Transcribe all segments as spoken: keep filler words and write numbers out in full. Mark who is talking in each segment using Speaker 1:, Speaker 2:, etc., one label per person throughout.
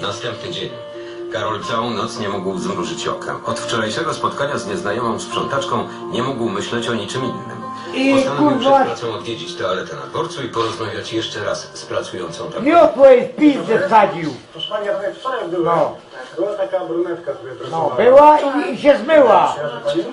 Speaker 1: Następny dzień. Karol całą noc nie mógł zmrużyć oka. Od wczorajszego spotkania z nieznajomą sprzątaczką nie mógł myśleć o niczym innym.
Speaker 2: I
Speaker 1: Postanowił
Speaker 2: kurwa...
Speaker 1: przed pracą odwiedzić toaletę na dworcu i porozmawiać jeszcze raz z pracującą tam.
Speaker 2: Miotło jej w pizdę wsadził.
Speaker 3: Proszę pani, ja tutaj wczoraj byłem.
Speaker 2: No.
Speaker 3: Była taka brunetka, która
Speaker 2: No,
Speaker 3: pracowała.
Speaker 2: była i, i się zmyła.
Speaker 3: Pani?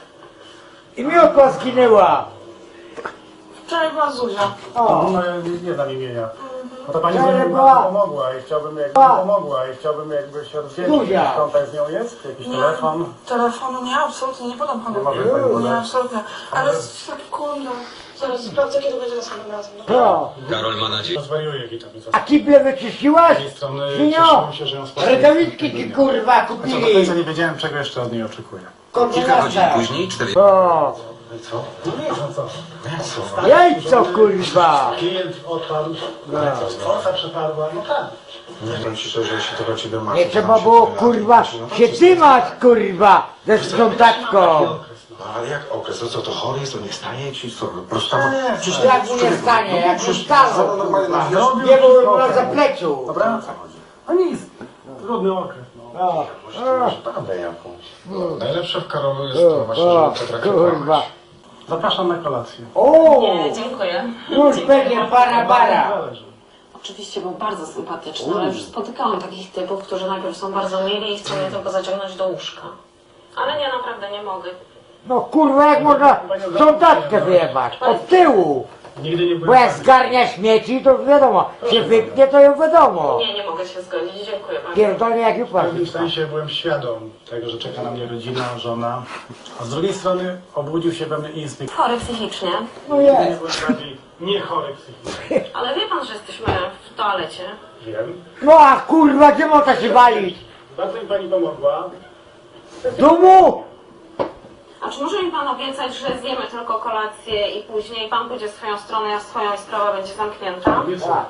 Speaker 2: I miotła zginęła.
Speaker 4: Wczoraj była Zuzia.
Speaker 2: O,
Speaker 3: No, nie, nie dam imienia. No to pani
Speaker 2: Ale
Speaker 3: by mi
Speaker 2: była-
Speaker 3: bardzo pomogła i chciałbym jakby
Speaker 2: Była-
Speaker 3: pomogła i chciałbym jakby się rozwiedzieć.
Speaker 2: Zuzia.
Speaker 3: Jakiś kontakt z nią jest? Jakiś telefon?
Speaker 4: Telefonu nie, absolutnie nie podam panu.
Speaker 3: Nie może pani
Speaker 4: Nie,
Speaker 3: podać?
Speaker 4: absolutnie. Ale sekundę. Zaraz sprawdzę, kiedy będzie następnym razem. dobra?
Speaker 2: to.
Speaker 1: Karol ma nadzieję.
Speaker 3: Zwariuję witam.
Speaker 2: A kible wyczyściłaś?
Speaker 3: Z tej strony
Speaker 2: Sinio,
Speaker 3: cieszyłem się, że ją spotkałem.
Speaker 2: rękawiczki ci kurwa
Speaker 3: Co, do
Speaker 2: kupili.
Speaker 3: końca nie wiedziałem, czego jeszcze od niej oczekuję.
Speaker 1: Kilka godzin
Speaker 2: Kontynuacja.
Speaker 1: później, cztery...
Speaker 2: O,
Speaker 3: Co? No nie, no co? Co?
Speaker 2: jajco kurwa.
Speaker 3: Klient odpadł, forsa przepadła, no tak.
Speaker 5: Nie wiem ci szczerze, jeśli to do ciebie masz.
Speaker 2: Nie trzeba było kurwa się tymać kurwa ze sprzątaczką.
Speaker 5: No ale jak okres? To co, to chory jest, to nie stanie ci? Co, po prostu tam...
Speaker 3: Nie,
Speaker 5: Przecież
Speaker 2: Jak mu nie stanie, jak mu stało
Speaker 5: no, normalnie
Speaker 2: kurwa.
Speaker 5: na wierzchu.
Speaker 2: Nie byłem na zapleczu.
Speaker 3: Dobra? No nic, trudny okres, no.
Speaker 2: O,
Speaker 5: Prawdę jakąś.
Speaker 3: Najlepsze w Karolu jest to właśnie, że
Speaker 2: o,
Speaker 3: potrafi
Speaker 2: kurwa.
Speaker 3: kłamać. Zapraszam na kolację.
Speaker 2: O,
Speaker 6: Nie, dziękuję.
Speaker 2: już będzie para bara.
Speaker 3: Zależy.
Speaker 6: Oczywiście był bardzo sympatyczny, ale już spotykałam takich typów, którzy najpierw są bardzo mili i chcą mnie tylko zaciągnąć do łóżka. Ale nie, naprawdę nie mogę.
Speaker 2: No kurwa, jak można sprzątaczkę wyjebać? Od tyłu.
Speaker 3: Nigdy nie
Speaker 2: Bo
Speaker 3: byłem
Speaker 2: jak zgarnia śmieci, to wiadomo, się wypnie, to ją wiadomo.
Speaker 6: Nie, nie mogę się zgodzić. Dziękuję bardzo.
Speaker 2: Pierdolnie jak
Speaker 3: w
Speaker 2: jupa.
Speaker 3: pewnym sensie byłem świadom tego, że czeka na mnie rodzina, żona. A z drugiej strony obudził się we mnie instynkt.
Speaker 6: Chory psychicznie,
Speaker 2: No
Speaker 3: Nigdy nie
Speaker 2: jest.
Speaker 3: byłem bardziej nie chory psychicznie.
Speaker 6: ale wie pan, że jesteśmy w toalecie.
Speaker 3: Wiem.
Speaker 2: No a kurwa, gdzie można się walić?
Speaker 3: Bardzo mi pani pomogła.
Speaker 2: W domu?
Speaker 6: A czy może mi pan obiecać, że zjemy tylko kolację i później pan pójdzie w swoją stronę, ja w swoją i sprawa będzie zamknięta?
Speaker 3: Obiecuję.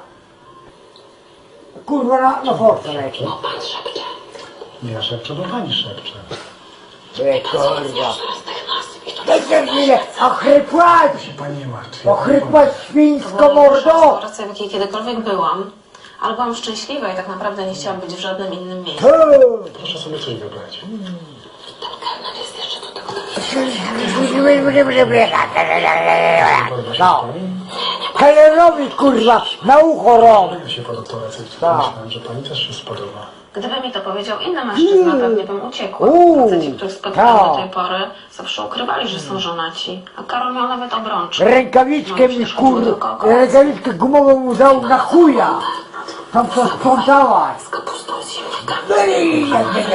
Speaker 2: Kurwa, na, na force leci.
Speaker 6: Pan szepcze.
Speaker 3: Nie, ja szepczę, bo pani szepcze.
Speaker 2: Ej, kurwa.
Speaker 6: Teraz tych nazw i to
Speaker 2: Dajcie chwilę, ochrypłać!
Speaker 3: Się pani nie martwi.
Speaker 2: Ochrypłać świńsko
Speaker 6: była najgorsza
Speaker 2: mordo!
Speaker 6: restauracja, w jakiej kiedykolwiek byłam. Ale byłam szczęśliwa i tak naprawdę nie chciałam być w żadnym innym miejscu.
Speaker 3: Proszę sobie coś wybrać.
Speaker 6: Kelner jest jeszcze tu tylko...
Speaker 2: No. Kelnerowi kurwa, na ucho rąk.
Speaker 3: Ja się po restauracji
Speaker 2: Tak.
Speaker 3: myślałem, że pani też się spodoba.
Speaker 6: Gdyby mi to powiedział inny mężczyzna, pewnie bym uciekła.
Speaker 2: Uuu,
Speaker 6: Faceci, których spotkałam
Speaker 2: tak.
Speaker 6: do tej pory, zawsze ukrywali, że są żonaci. A Karol miał nawet obrączkę.
Speaker 2: Rękawiczkę mi kurwa, rękawiczkę gumową mu dał na chuja. Tam co sprzątałaś.
Speaker 6: Z kapustą i z ziemniakami.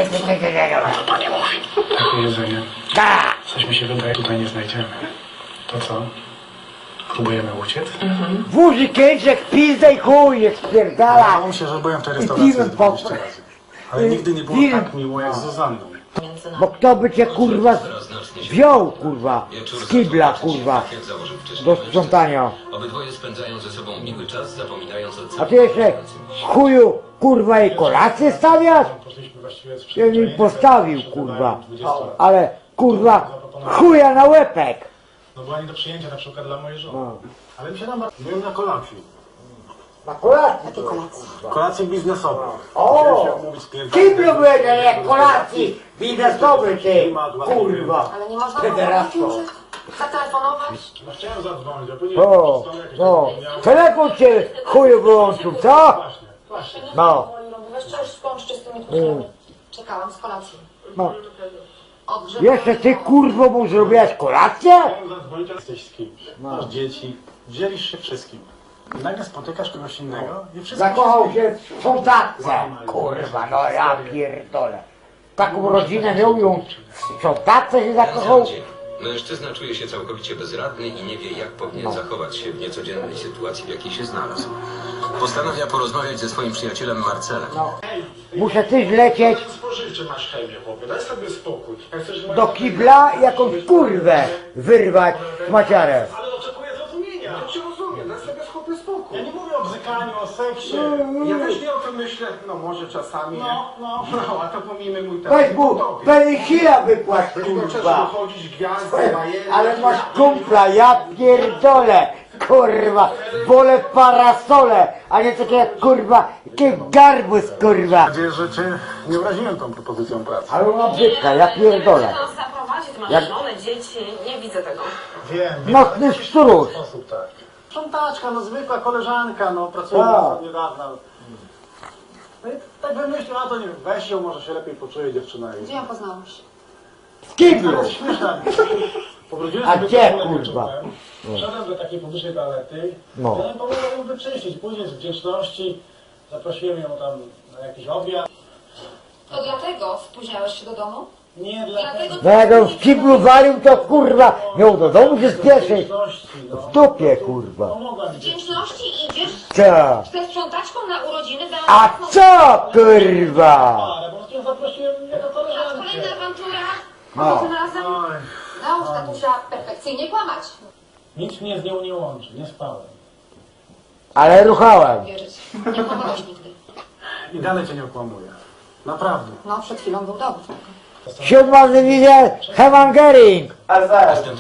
Speaker 3: Takie jedzenie.
Speaker 2: Da.
Speaker 3: Coś mi się wydaje, tutaj nie znajdziemy. To co? Próbujemy uciec?
Speaker 2: Wózi kęczek, pizda i chuj, jak spierdala.
Speaker 3: Wydawało mi się, że byłem w tej restauracji
Speaker 2: piłem
Speaker 3: z dwadzieścia
Speaker 2: po-
Speaker 3: razy. Ale nigdy nie było
Speaker 2: piłem.
Speaker 3: tak miło jak z Zuzanną.
Speaker 6: Między nami.
Speaker 2: Bo kto by cię kurwa wziął kurwa
Speaker 1: Wieczór
Speaker 2: z kibla
Speaker 1: zaczął się
Speaker 2: kurwa
Speaker 1: tak, jak założył wcześniej
Speaker 2: do
Speaker 1: mężczyzna.
Speaker 2: sprzątania.
Speaker 1: Obydwoje spędzają ze sobą miły czas, zapominając o
Speaker 2: A ty jeszcze chuju kurwa i kolację stawiasz?
Speaker 3: Poszliśmy właściwie z
Speaker 2: Ja mi
Speaker 3: przyzwyczajenia,
Speaker 2: postawił
Speaker 3: że
Speaker 2: kurwa,
Speaker 3: dwadzieścia lat.
Speaker 2: ale kurwa chuja na łepek.
Speaker 3: No była nie do przyjęcia na przykład dla mojej żony. Ale mi się nam... Byłem na kolacji.
Speaker 2: Na kolację.
Speaker 3: Kolację biznesową.
Speaker 2: O!
Speaker 3: Chciałem się umówić z klientem.
Speaker 2: Kiblu będzie jak kolacji biznesowy ty kurwa.
Speaker 4: Ale nie można
Speaker 2: Federasko.
Speaker 4: zatelefonować.
Speaker 3: No chciałem zadzwonić, a później
Speaker 2: O,
Speaker 3: przystanę jakieś
Speaker 2: no,
Speaker 3: zapomniałem.
Speaker 2: telefon cię chuju wyłączył, co?
Speaker 3: Właśnie, właśnie.
Speaker 2: No,
Speaker 4: Weź coś skończcie z tymi truskami. Czekałam z kolacji.
Speaker 2: no.
Speaker 4: Odgrzewam.
Speaker 2: Jeszcze ty kurwo mu zrobiłaś kolację?
Speaker 3: Chciałem zadzwonić, ale jesteś z kimś. Masz dzieci, dzielisz się wszystkim. I nagle spotykasz kogoś innego i wszystko
Speaker 2: Zakochał się w sprzątatce. Kurwa, no ja pierdolę. Taką rodzinę miał ją w sprzątatce się zakochał.
Speaker 1: dzień. Mężczyzna czuje się całkowicie bezradny i nie wie, jak powinien zachować się w niecodziennej sytuacji, w jakiej się znalazł. Postanawia porozmawiać ze swoim przyjacielem Marcelem.
Speaker 2: No. Muszę też lecieć
Speaker 3: spożywczy masz chemię, chłopie, daj sobie spokój. Jak chcesz
Speaker 2: do kibla i jakąś kurwę wyrwać z maciarem.
Speaker 3: Ale oczekuję zrozumienia. Ja cię rozumiem, daj sobie chłopie spokój. Ja nie mówię o bzykaniu, o seksie. Ja też nie o tym myślę, no może czasami, no, no, no, a to pomijmy mój temat.
Speaker 2: Weź mu penisila wypłać kurwa.
Speaker 3: chodzić gwiazdy, bajery.
Speaker 2: Ale masz kumpla, ja pierdolę. kurwa, wolę parasole, a nie takie jak kurwa, takie garbus kurwa.
Speaker 3: Mam nadzieję, że cię nie uraziłem tą propozycją pracy.
Speaker 2: Ale ona brzydka, ja pierdolę.
Speaker 6: Ty nas zaprowadzi, ty masz
Speaker 2: Jak-
Speaker 6: żonę, dzieci, nie widzę tego.
Speaker 3: Wiem, wiem.
Speaker 2: Nocny szczurus.
Speaker 3: Sposób, tak. Sprzątaczka, no zwykła koleżanka, no pracuje
Speaker 2: Tak.
Speaker 3: od niedawna. No i tak wymyślił, a to nie wiem, weź ją, może się lepiej poczuje dziewczyna.
Speaker 4: Gdzie ją poznałeś?
Speaker 2: W kiblu.
Speaker 3: To jest śmieszne. Pobrudziłem
Speaker 2: A
Speaker 3: sobie
Speaker 2: gdzie,
Speaker 3: toaletę
Speaker 2: kurwa?
Speaker 3: czubem, Wszedłem do takiej publicznej toalety.
Speaker 2: No.
Speaker 3: Ja pomogłem ją wyczyścić. Później z wdzięczności zaprosiłem ją tam na jakiś obiad.
Speaker 4: To dlatego spóźniałeś się do domu?
Speaker 3: Nie dlatego.
Speaker 2: No jak on w kiblu walił, to kurwa, miał do domu się spieszyć.
Speaker 3: Wdzięczności, no.
Speaker 2: W dupie kurwa.
Speaker 3: Pomogła mi.
Speaker 4: Wdzięczności idziesz
Speaker 2: Co?
Speaker 4: ze sprzątaczką na urodziny za
Speaker 2: A co kurwa?
Speaker 3: Ale po prostu ją zaprosiłem jako koleżankę.
Speaker 4: Kolejna awantura.
Speaker 2: No.
Speaker 4: Tym razem
Speaker 3: Oj,
Speaker 4: naucz tatusia perfekcyjnie kłamać.
Speaker 3: nic mnie z nią nie łączy, nie spałem.
Speaker 2: Ale ruchałem.
Speaker 4: Wierzyć. Nie kłamałeś nigdy.
Speaker 3: I dalej cię nie okłamuję. Naprawdę.
Speaker 4: No, przed chwilą był dowód.
Speaker 2: Siódma dywizja Hewangering.
Speaker 1: Następnego